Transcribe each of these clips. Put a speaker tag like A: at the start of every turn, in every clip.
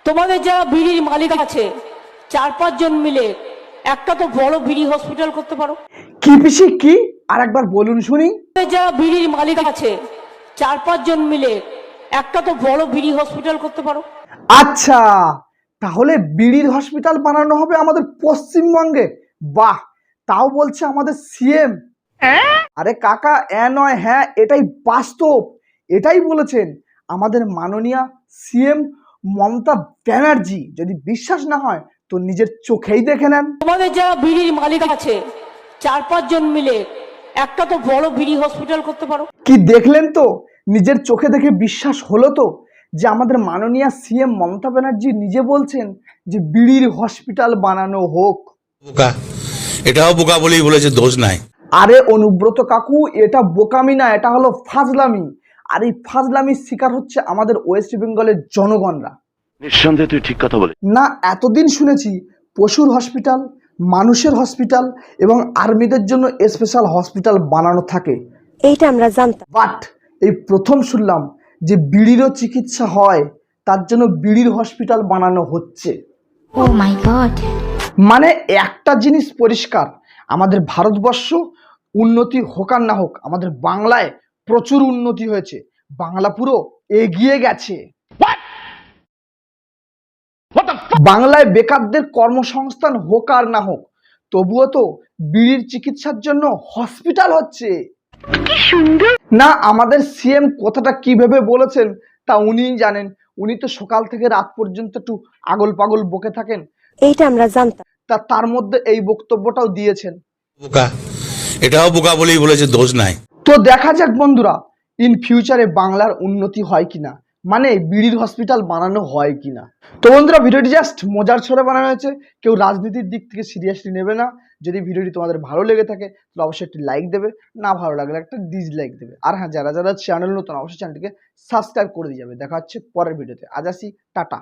A: তোমাদের যারা বিড়ির মালিক আছে 4-5 জন মিলে একটা তো বড় বিড়ি হসপিটাল করতে পারো।
B: কি পিসি কি আর একবার বলুন শুনি।
A: তোমাদের যারা বিড়ির মালিক আছে 4-5 জন মিলে একটা তো বড় বিড়ি হসপিটাল করতে পারো।
B: আচ্ছা, তাহলে বিড়ির হসপিটাল বানানো হবে আমাদের পশ্চিমবঙ্গে। বাহ, তাও বলছে আমাদের সিএম। আরে কাকা, নয় হ্যাঁ, এটাই বাস্তব, এটাই বলেছেন আমাদের মাননীয় সিএম মমতা ব্যানার্জি। যদি বিশ্বাস না হয় তো নিজের চোখেই দেখে নেন।
A: তোমাদের যারা বিড়ির মালিক আছে 4-5 জন মিলে একটা তো বড় বিড়ি হসপিটাল করতে পারো।
B: কি দেখলেন তো, নিজের চোখে দেখে বিশ্বাস হলো তো যে আমাদের মাননীয় সিএম মমতা ব্যানার্জি নিজে বলছেন যে বিড়ির হসপিটাল বানানো হোক।
C: বোকা, এটাও বোকা বলেই বলেছে, দোষ নাই।
B: আরে অনুব্রত কাকু, এটা বোকামি না, এটা হলো ফাজলামি। আর এই ফাজলামির শিকার হচ্ছে আমাদের ওয়েস্ট বেঙ্গলের জনগণরা।
D: নিঃসন্দেহে তুই ঠিক কথা বলে।
B: না, এতদিন শুনেছি পশুর হসপিটাল, মানুষের হসপিটাল এবং আর্মিদের জন্য স্পেশাল হসপিটাল বানানো থাকে,
E: এইটা আমরা জানতাম।
B: বাট এই প্রথম শুনলাম যে বিড়িরও চিকিৎসা হয়, তার জন্য বিড়ির হসপিটাল বানানো হচ্ছে।
F: Oh my god.
B: মানে একটা জিনিস পরিষ্কার, আমাদের ভারতবর্ষ উন্নতি হোক আর না হোক, আমাদের বাংলায় প্রচুর উন্নতি হয়েছে, বাংলা পুরো এগিয়ে গেছে। বাংলায় বেকারদের কর্মসংস্থান হোক আর না হোক, তবুও তো বিড়ির চিকিৎসার জন্য হসপিটাল হচ্ছে। না, আমাদের সিএম কথাটা কিভাবে বলেছেন তা উনিই জানেন। উনি তো সকাল থেকে রাত পর্যন্ত একটু আগল পাগল বকে থাকেন,
E: এইটা আমরা জানতাম।
B: তার মধ্যে এই বক্তব্যটাও দিয়েছেন।
C: বোকা, এটাও বোকা বলেই বলেছে, দোষ নাই।
B: তো দেখা যাক বন্ধুরা, ইন ফিউচারে বাংলার উন্নতি হয় কিনা, মানে বিড়ির হসপিটাল বানানো হয় কিনা। তো বন্ধুরা, ভিডিওটি জাস্ট মজার ছলে বানানো হয়েছে, কেউ রাজনীতির দিক থেকে সিরিয়াসলি নেবে না। যদি ভিডিওটি তোমাদের ভালো লেগে থাকে তাহলে অবশ্যই একটি লাইক দেবে, না ভালো লাগলে একটা ডিসলাইক দেবে। আর হ্যাঁ, যারা যারা চ্যানেল নতুন অবশ্যই চ্যানেলটিকে সাবস্ক্রাইব করে দিয়ে যাবে। দেখা হচ্ছে পরের ভিডিওতে। আজ আসি, টাটা।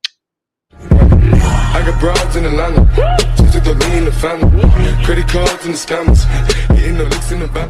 G: I got broads in Atlanta, just took the lean in the family, credit cards and the scammers, hitting the licks in the back.